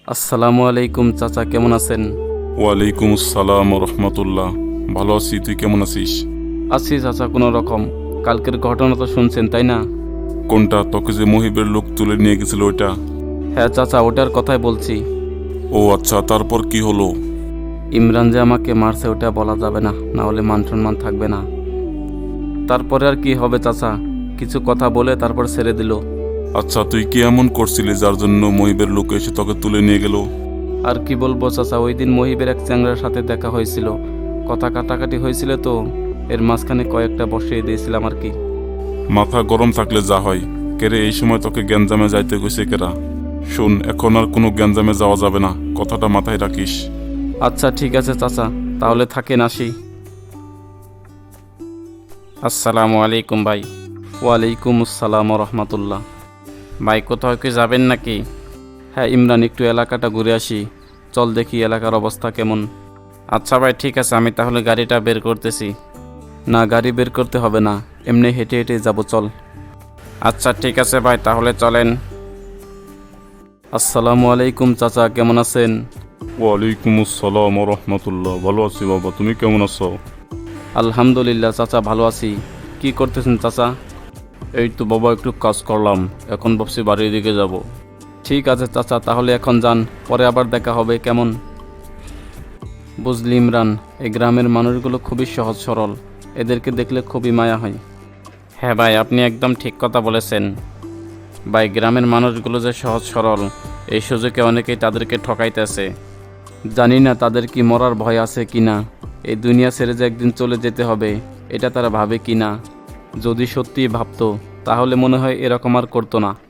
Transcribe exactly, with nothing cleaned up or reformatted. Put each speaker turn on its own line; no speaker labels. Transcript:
আসসালামু আলাইকুম চাচা, কেমন আছেন?
ওয়ালাইকুম আসসালাম রহমতুল্লাহ। ভালো আছি, তুই কেমন আছিস?
আছি চাচা, কোনো রকম। কালকের ঘটনা তো শুনছেন তাই না?
কোনটা? তোকে যে মহিবের লোক তুলে নিয়ে গেছিল ওইটা?
হ্যাঁ চাচা, ওটার কথাই বলছি।
ও আচ্ছা, তারপর কি হলো?
ইমরান যে আমাকে মারছে ওটা বলা যাবে না, না হলে মান সম্মান থাকবে না। তারপরে আর কি হবে চাচা, কিছু কথা বলে তারপর ছেড়ে দিল।
আচ্ছা, তুই কি এমন করছিলি যার জন্য মহিবের লোক এসে তোকে তুলে নিয়ে গেল?
আর কি বলবো চাচা, ওই দিন মহিবের এক চ্যাংড়ার সাথে দেখা হয়েছিল, কথা কাটাকাটি হয়েছিল, তো এর মাঝখানে কয়েকটা বসিয়ে দিয়েছিলাম আর কি।
মাথা গরম থাকলে যা হয়। কেরে এই সময় তোকে গ্যাঞ্জামে যাইতে কইছে কেরা? শোন, এখন আর কোনো গ্যাঞ্জামে যাওয়া যাবে না, কথাটা মাথায় রাখিস।
আচ্ছা ঠিক আছে চাচা, তাহলে থাকেন, আসি। আসসালামু আলাইকুম ভাই। ওয়ালাইকুম আসসালাম রহমতুল্লাহ। ভাই কোথাও কি যাবেন নাকি? হ্যাঁ ইমরান, একটু এলাকাটা ঘুরে আসি, চল দেখি এলাকার অবস্থা কেমন। আচ্ছা ভাই ঠিক আছে, আমি তাহলে গাড়িটা বের করতেছি। না, গাড়ি বের করতে হবে না, এমনি হেঁটে হেঁটে যাব, চল। আচ্ছা ঠিক আছে ভাই, তাহলে চলেন। আসসালামু আলাইকুম চাচা, কেমন আছেন?
ওয়ালাইকুম আসসালাম রহমতুল্লাহ। ভালো আছি বাবা, তুমি কেমন আছো?
আলহামদুলিল্লাহ চাচা, ভালো আছি। কি করতেছেন চাচা? এই তো বাবা, একটু কাজ করলাম, এখন ভাবছি বাড়ির দিকে যাব। ঠিক আছে চাচা, তাহলে এখন যান, পরে আবার দেখা হবে, কেমন? বুঝলি ইমরান, এই গ্রামের মানুষগুলো খুবই সহজ সরল, এদেরকে দেখলে খুবই মায়া হয়। হ্যাঁ ভাই, আপনি একদম ঠিক কথা বলেছেন। ভাই, গ্রামের মানুষগুলো যে সহজ সরল, এই সুযোগে অনেকেই তাদেরকে ঠকাইতেছে। জানি না তাদের কি মরার ভয় আছে কি না, এই দুনিয়া ছেড়ে যে একদিন চলে যেতে হবে, এটা তারা ভাবে কি না। যদি সত্যিই ভাবতো তাহলে মনে হয় এরকম আর করতো না।